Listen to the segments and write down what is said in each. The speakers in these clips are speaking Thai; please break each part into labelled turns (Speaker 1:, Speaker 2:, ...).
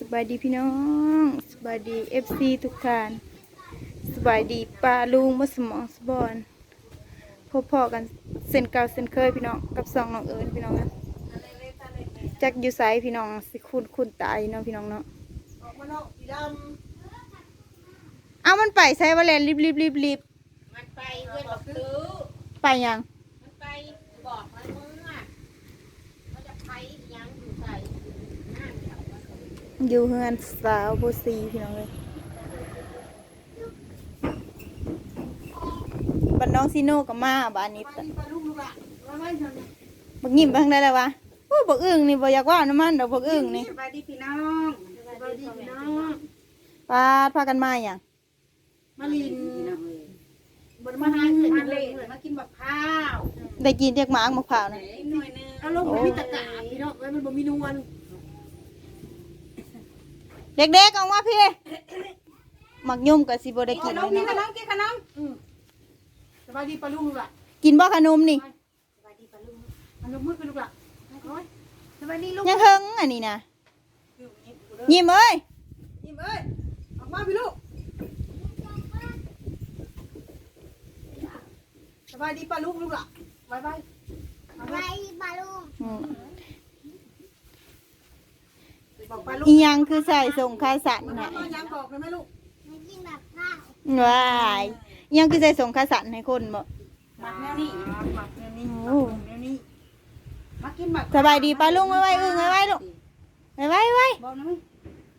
Speaker 1: บายดีพี่น้องสบายดีFC ทุกท่านสบายดีป้าลุงมาสมองสบอนพบพ่อกันเส้นเก่าเส้นเคยพี่น้องกับสองน้องเอิญพี่น้องนะจักอยู่ไสพี่น้องสิคุณตายเนาะพี่น้องเนาะเอามันไปใช้ว่าแลนรีบ
Speaker 2: มันไปเพื่อนบอกซื้อ
Speaker 1: ไปยัง
Speaker 2: มันไปบอกมันมึงอ่ะมันจะไปยังอยู่ใส่หน้าเดียว
Speaker 1: อยู่เฮือนสาวโบซีพี่น้องเลยบ้านน้องซีโน่กับมาบ้านนี้บักยิ้มไปทางใดแล้ววะโอ้บักอึ่งนี่บ่อยากว่าน้ำมันดอกบักอึ่งนี่
Speaker 2: สบายดีพี่น้องสบายดีพี่น้อง
Speaker 1: พากันมาอย่าง
Speaker 2: มาลินบนมาหาเงินมาเลยมากินแบบข้าว
Speaker 1: ได้กินเรียกหมากมะพร้าวนะ
Speaker 2: หน่อยนึงเอาลงมันมีตะกาพี่น้องมันบ่มีนวล
Speaker 1: เด็กๆออกมาพี่หมักยุ่มกับสิบ่ได้กิน
Speaker 2: ขนมกินขนมกินขนมสบายดีปลาลุงลูกล่ะ
Speaker 1: กินบ่ขนมนี่
Speaker 2: สบายดีปลาลุงขนมมืดเป็นลูกล่ะสบายดีลูก
Speaker 1: ยังเฮิงอันนี้นะยิ้มเอ้ย
Speaker 2: ยิ้มเอ้ยออกมาพี่ลูกสบายดีปลาลุงลูกล่ะบายบายสบายดีปลาลุงบอกปลาลุง
Speaker 1: อีหยังคือใส่ส่งคาสัน
Speaker 2: มัน
Speaker 1: ให้
Speaker 2: ยังบอกเลยไหมลูก
Speaker 1: ว้ายอีหยังคือใส่ส่งคาสันให้คนบ่
Speaker 2: หมักแนวนี้หมักแนวนี้
Speaker 1: โอ้
Speaker 2: แนวนี้มากินหมัก
Speaker 1: สบายดีป้าลุงไว้อึ้งไว้ลูกไว้
Speaker 2: บอกนะมั้ย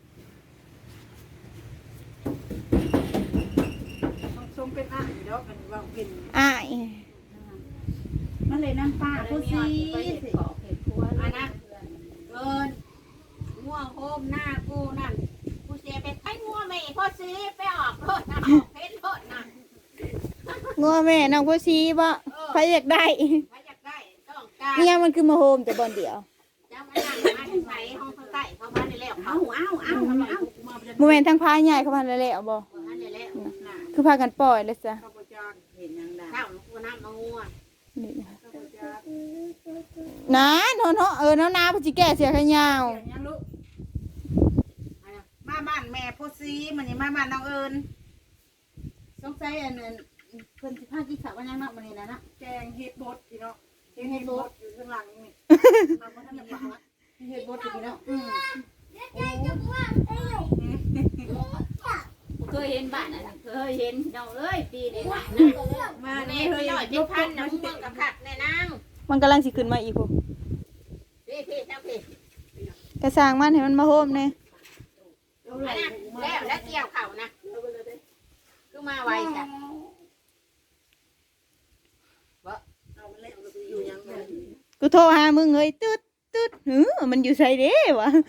Speaker 2: ทรงเป็นอ่ะเดี๋ยวกันว่าเป็น
Speaker 1: อ้าย
Speaker 2: มันเลยน้ำปลาผู้ซีอันนั้นเกินงัวโฮมหน้ากูนั่นกูเสียไปไอ้งัวไม่พอซื้อไปออกรถนะออกเพชรรถนะ
Speaker 1: งัวแม่น้องผู้ชีบ่ใครอยากได้
Speaker 2: ใครอยากได้ต้องการ
Speaker 1: อีหยังมันคือมาโฮมแต่บ่อนเดียว
Speaker 2: เจ้ามานั่งมาที่ไหนห้องข้างใต้เข้ามาในแล้วเอา
Speaker 1: บ่แม่นทางพายใหญ่เข้ามาแล้วบ่
Speaker 2: มาในแล้วน่ะ
Speaker 1: คือพากันปล่อยเลยจ้ะ
Speaker 2: ข้าวจานเห็นยังได้ข้าวกูน้ำมางัว
Speaker 1: นี่นะน้าเนาะน้าพจิแก่เสียขยาว
Speaker 2: ยังลูกมาบ้านแม่พ่อซีมันนี่มาบ้านน้องเอิญสงสัยอันนั้นเพิ่นสิพากินข้าววันยังเนาะมื้อนี้นะแกงเฮ็ดบดพี่เนาะแกงเฮ็ดบดอยู่ข้างหลังนี่มาบ่ทันได้ฟังละเฮ็ดบดอยู่พี่เนาะ
Speaker 3: เคยเห็นบ้านน่ะเคยเห็นน้องเอ้ยปีนี้นะ
Speaker 2: มา
Speaker 3: แม่
Speaker 2: นี่
Speaker 3: เค
Speaker 2: เฮ้
Speaker 3: ย
Speaker 2: ย
Speaker 3: หน่อยเป็นพันนะมึงกับขัดแน่นาง
Speaker 1: มันกำลังสิขึ้นมาอีกพุ่น
Speaker 3: พี่เจ้าพี่
Speaker 1: กระสร้างมันให้มันมาโฮมแน่
Speaker 3: อันนั้นแล้วเกี่ยวเข่านะคือมาไวจ้ะ
Speaker 2: อยู่ยังไง
Speaker 1: กูโทรหามึงเฮ้ยตึ๊ดมันอยู่ไสเด้วะ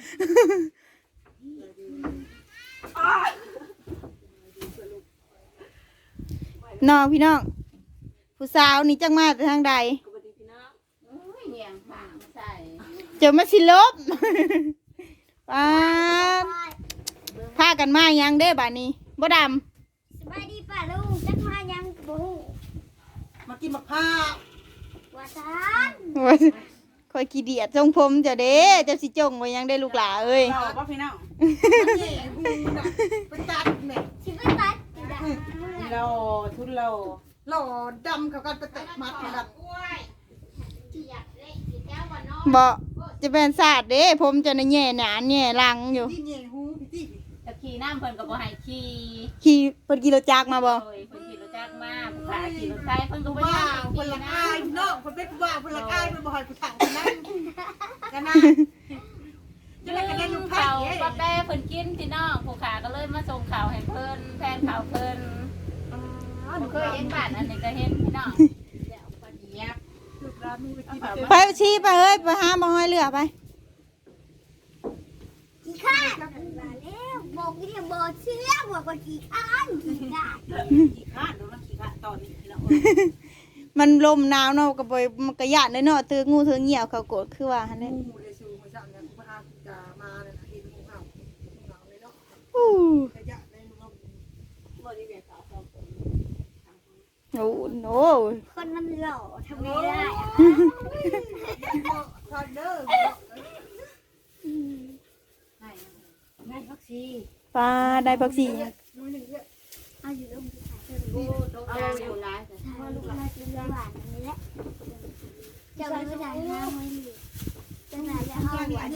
Speaker 1: น้องพี่น้องผู้สาวนี่จังมาแต่ทางใด
Speaker 3: โอ้ยเหี่ยงผางใส่
Speaker 1: เจอมาสิลบ ป้าดพากันมายังเด้บ้านนี้บ่ด
Speaker 4: สบายดีป่ะลุงจักมายังบ่ฮู้
Speaker 2: มากินมะพร้าว
Speaker 4: ว่าซั่น
Speaker 1: ำโอ้ยคอยขี้เดียดทรงผมเจะเด้เจ้าสิจงไว้ยังได้ลูกหลาเอ้ย
Speaker 2: เราบ่พี่น้องนี่กูน่ะไปตัดแม่
Speaker 4: สิไปตัดสิได้
Speaker 2: เราทุนเราหล่อดำกับกันไปตัดมัดกัน
Speaker 3: กล้วยอยากเล่นแก้ววันน้อง
Speaker 1: บ่จะเป็นศาสตร์เด้ผมจะในแง่หนานแง่หลังอยู่
Speaker 2: ที่เงี้ยหูพี่ที่
Speaker 3: ตะขี่น้ำเพิ่นก็บ่ให้ขี่
Speaker 1: ขี่เพิ่นกิโลจักรมาบ่
Speaker 3: โอ้ยเพิ่นขี่รถจักรมาผู้ขาขี่รถไฟเพิ่นก็บ่
Speaker 2: ว้า
Speaker 3: ได้
Speaker 2: วคนละอายพี่น้องคนเป็นว้าวคนละอายเป็นบ่อยผู้ถังคนนั้นกันนะจะได้กันได้ลูกไผ่
Speaker 3: เขาปลาแป้เพิ่นกินพี่น้องผู้ขาก็เลยมาส่งข่าวให้เพิ่นแฟนข่าวเพิ่นเคยเห็นบ้านอันนี้ก็เห็นพี่น้องเดี๋ยวปลาเดียบ
Speaker 2: ลูกร้านมีไปกิน
Speaker 1: ไปชี้ไปเฮ้ยไปหาบ่ห้อยเรือไป
Speaker 4: ขี้ข้านมาแล้วบอกอีเนี่ยบ่เชื่อว่าก็ขี้ข้านขี้ข้าน
Speaker 2: ขี้ข้าดูนะขี้ข้าตอนนี้พี่น้อง
Speaker 1: มันลมหนาวเนาะก็บ่มันก็ย่านเลยเนาะถืองูถือเหี่ยวเขาโกรธคือว่าหั่นแหละ
Speaker 2: งูเลยสูมาสั่งเนี่ยมาจะมาเนี่ยเห็นงูเห่าเลยเนาะ
Speaker 1: อู้
Speaker 2: ขยะในมือ
Speaker 3: บ่ได้เวียนขาวสองคน
Speaker 1: โอ้โห
Speaker 4: คนมันหล่อทำไงได้อะ
Speaker 2: ทอดเด้อ
Speaker 3: ให้
Speaker 2: แม่ซี่
Speaker 1: ปลาได้ผักชี
Speaker 4: เอาอยู่ลงไปใส่
Speaker 3: โอ้ตกกลางอยู่หลาย
Speaker 4: ว่าลูกมากินหวานอันนี้แหละเจ้าไม่ได้ห้าไม่มีจะไหนจะห้าหวาน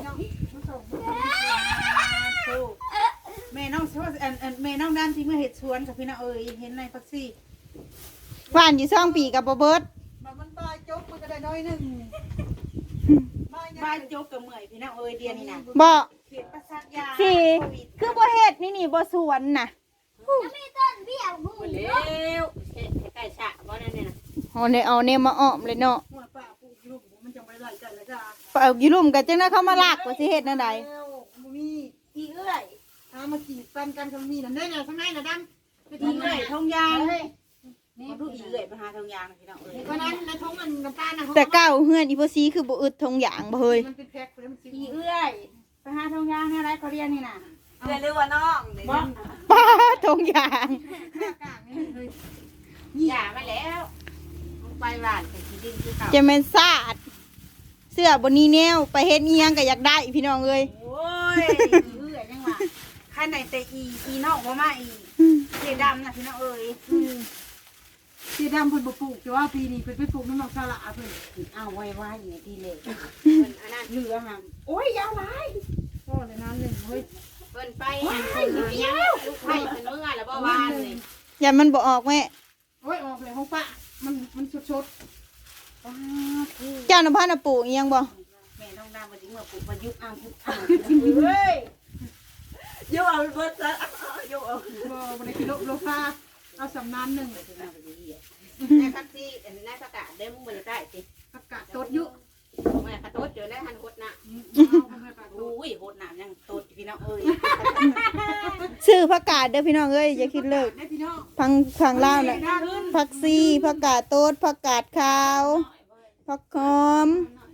Speaker 2: แม่น้องแม่น้องด้านที่เมื่อเห็ดสวนกับพี่น้องเห็นในพักซี่
Speaker 1: หวานอยู่2 ปีกับบ่เบิด
Speaker 2: มันบายจกมันก็ได้น้อยหนึ่งบายจกกับเมื่อยพี่น้องเดียนี่นะ
Speaker 1: บ่
Speaker 2: เขียนประสาทยา
Speaker 1: สิคือบ่เฮ็ดนี่บ่สวนน่ะ
Speaker 4: จะไม่ต้นเบี้ยหู
Speaker 3: บ่แล้วเฮ็ดให้ใกล้ฉะบ่นั่นนี่น่ะ
Speaker 1: เอาเนี่ยมาอ้อมเลยเนาะ
Speaker 2: หัวป้าปูลูกมันจะไม่ไหลกันแล้วจ้า
Speaker 1: ปเอากี่ลุ่มกันจังนะเขามาลากว่าสิเฮ็ดแนวใด
Speaker 2: มีอีเอื้อยเอามากีดกันกันมีนั่นได้ไงข้างในน่ะดำไปทีเอื้อยทงยางมาดูอีเอื้อยไปหาทงยางพี่น้องเพราะนั้นในทงมันน้ำตาลนะ
Speaker 1: แต่เก้าเฮือนอีโพซีคือบ่อึดทงหยางบ่เฮ้ย
Speaker 2: มันเป็นแพ็คเลยมันอีเอื้อยไปหาทงยางอะไรเขาเรียนนี่น่ะ
Speaker 3: เรียกว่าน้อง
Speaker 2: บ่
Speaker 1: ป้าทงหยาง
Speaker 2: หน้ากากนี่เลย
Speaker 3: อย่ามาแล้วไปบ้านไปที่ดินคือเก่า
Speaker 1: จะแม่นซาดเสื้อบนนี้แนวไปเฮ็ดอีหยังก็อยากได้พี่น้องเอ้ย
Speaker 2: โอ้ยอีเอื้อยยังว่าใครไหนแต่อีนอกมาเสียดำนะพี่น้องเสียดำเพิ่นบ่ปลูกแต่ว่าปีนี้เพิ่นไปปลูกน้ำมันสละเพิ่น
Speaker 3: เอาไว้เนี่ยดีเลย
Speaker 2: อันนั้นเหลือห่างโอ้ยยาวหลายพ่อเลยน้ำหนึ่งเฮ้ย
Speaker 3: เพิ่นไปหันเพิ่นหายังลูกไผ่เพิ่นเมื่อแล้วบ่วานนี่
Speaker 1: อย่ามันบ่ออกแม่
Speaker 2: โอ้ยออกเลยของป้ามันชดป้าคือ
Speaker 1: เจ้าน้ำพันน่ะปลูกอีหยังบ่
Speaker 2: แม่ต้องน้ำมาถึงเมื่อปลูกมายุบอ่างทุกอ่างเฮ้ย
Speaker 3: ยกเอาเบิดซะยกเอา
Speaker 2: บ่บ่ได้กิโลฟ้าเอาสำนานหนึ่ง
Speaker 3: ในพักที่ในประกาศได้มึงบ่ได้สิ
Speaker 2: อากาศตดยุ
Speaker 3: แม่ขะโตดเจอแล้วหันโคตรน่ะอุ้ยโคตรน่ะยังโตดพี่น้องเอ้ย
Speaker 1: ซื้อผักกาดเด้อพี่น้องเอ้ยอย่าคิดเลิก
Speaker 2: ได้พี่น้อง
Speaker 1: พังลาวน่ะผักซีผักกาดโตดผักกาดขาวผักหอม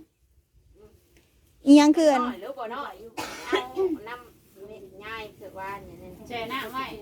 Speaker 1: อีหยังคืออัน
Speaker 3: น้อยหรือบ่น้อยอยู่เอาน้ำง่ายคือว่าเนี่ยแช่น้ำไว้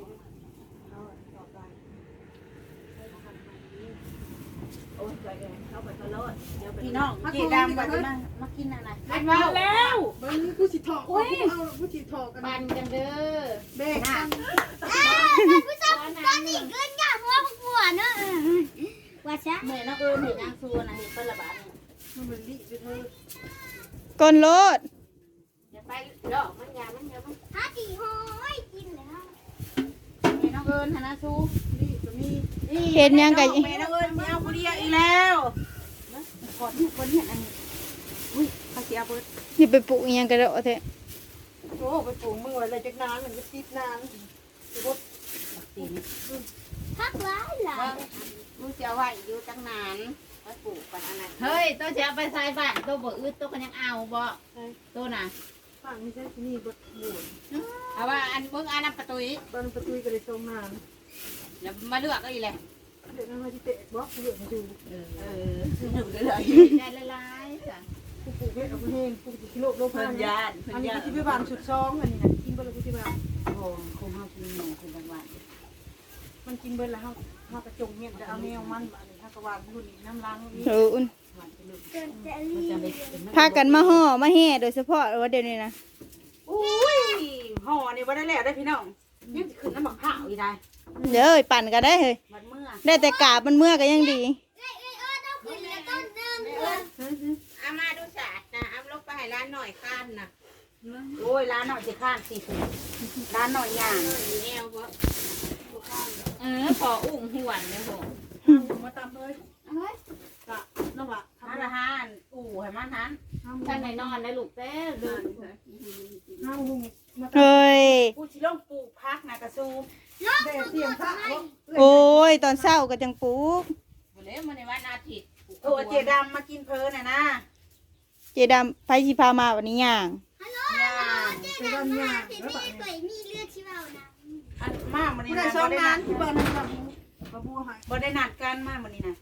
Speaker 2: พี่น้องเจดำมากินอะไร
Speaker 3: มาแล้ว
Speaker 2: เบิ้งผู้สิถอกเอาผู้สิถอกกัน
Speaker 3: บันกันเด้อ
Speaker 2: เบ๊กกัน
Speaker 4: ผู้ชมตอนนี้เกินยากหัวหัวเนอะว่าซะ
Speaker 3: แม่น้องเห็นนางซูนะเห็นเป็นระบาด
Speaker 2: มันเหมือนลิไปเถอะ
Speaker 1: ก้นโลด
Speaker 3: อย่าไปดอกมันยามันเยอะมัน
Speaker 4: หาตีหอยกินแล้ว
Speaker 3: แม่น้องเอิญนะซู
Speaker 2: ลิก็มี
Speaker 1: เฮ็ดหยังก็
Speaker 2: แม่น้องเอิญมีเอาผู้เดียวอีกแล้วกดเนี่ยคนเนี่ยอันนี้อุ้ยเขาเสียเบิด
Speaker 1: สิไปปลูกอีหยังก็ได้เอาแท้
Speaker 2: โอ้ไปปลูกมืออะไรจากนานมันก็ติดนานบด
Speaker 4: พักหลายหลาย
Speaker 3: มึงจะไว้อยู่ตั้งนานไว้ปลูกกันอันนั้นเฮ้ยตัวจะไปใส่บ้านตัวบ่อึดตัวกันยังเอาบ่ตัวน่ะ
Speaker 2: ฝั่งนี้ใช่ที่นี่บดหมุน
Speaker 3: เอาว่าอันเบิ่งอันนั้นประตูอีก
Speaker 2: ตอนประตูก็เลยทรงนาน
Speaker 3: แล้วมาเลือกก็อีแหละ
Speaker 2: เดี๋ยวนั่งมาที่เตะบล็อกเหลือมาดู
Speaker 3: หนึ่งเลยได้ละลายจ้ะ
Speaker 2: ปลูกเพชรเอาไปเฮงปลูกกิโลโลพัน
Speaker 3: เพิ่นย่าน
Speaker 2: อันนี้ที่ไปบ้านสุดซองอันนี้นะกินเบอร์ละที่บ้าน
Speaker 3: โอ้คงเฮากินหนูคุณบางวัน
Speaker 2: มันกินเบอร์ละเฮากระจงเนี่ยจะเอาแนวมันบ้านนี้เฮากระวานรุ่นนี้น้ำล้างนี่
Speaker 1: เอออุ่น
Speaker 4: เกินจะรี
Speaker 3: จะไป
Speaker 1: พากันมาห่อมาแห่โดยเฉพาะว่าเดี๋ยวนี้นะ
Speaker 2: อุ้ยห่อนี่บ่ได้แล้วได้พี่น้องยังสิขึ้นน้ำหมักข้าวอีได้
Speaker 1: เดี๋ยวเอ้ยปั่นก็ได้เฮ้ย
Speaker 2: มันเมื่อ
Speaker 1: ได้แต่กาบมันเมื่อก็ยังดี
Speaker 4: ต้องขึ้นแล้วต้นเดิมเลย
Speaker 3: เอามาดูสาดนะเอาลงไปให้ร้านหน่อยข้านนะ
Speaker 2: โอ้ยร้านหน่อยจะข้านสิร้านหน่อยย่าง
Speaker 3: แนวบ่พออุ้งหวนเลยผม
Speaker 2: มาตามเลยกะน้องละ
Speaker 3: ทำอาหารอู่ให้มันทันท่านไหนนอนได้ลูกเต้เดิน
Speaker 2: ห้าหุงมา
Speaker 1: เฮ้ย
Speaker 2: ผู้ชิลงปลูกพักนะกระซูเด็เสียงพระ
Speaker 1: โอ้ยตอนเช้าก็จังปลูก
Speaker 3: วันนี้มันในวันอาทิตย์
Speaker 2: โอ้เจดำมากินเพลินน่ะนะ
Speaker 1: เจดำไปสิพามาวันนี้ย่าง
Speaker 4: ฮัลโหลเจ๊ดำมาเจ๊มีก๋วยมีเลือดชิวานะ
Speaker 2: อันมากมันนี่นะบ่ได้นัดที่บ้านนั่นแบบบัวหายบ่ได้นัดกันมากมันนี่นะ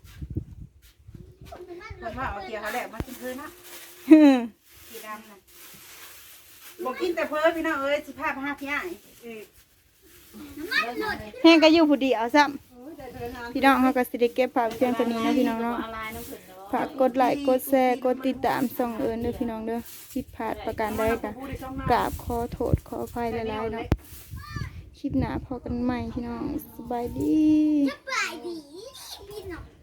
Speaker 2: คนว่าเอาเกี่ยวเขาแหละมากินเพลินนะเจดำนะบอกกินแต่เพลินพี่น้องเอ้ยสิพาไปหาพี่ใหญ่
Speaker 4: น้ำมันหลุด
Speaker 1: แห้งก็อยู่ผู้เดียวซ้ำพี่น้องเขาก็สิได้เก็บผักเพียงตัวนี้นะพี่น้องเนาะ
Speaker 3: อะไรน้ำผึ้งเนาะ
Speaker 1: ฝากกดไลค์กดแชร์กดติดตามส่องเอิญเด้อพี่น้องเด้อผิดพลาดประการใดก็กราบขอโทษขออภัยหลายๆเนาะคลิปหน้าพอกันใหม่พี่น้องสบายดี
Speaker 4: สบายดีพี่น้อง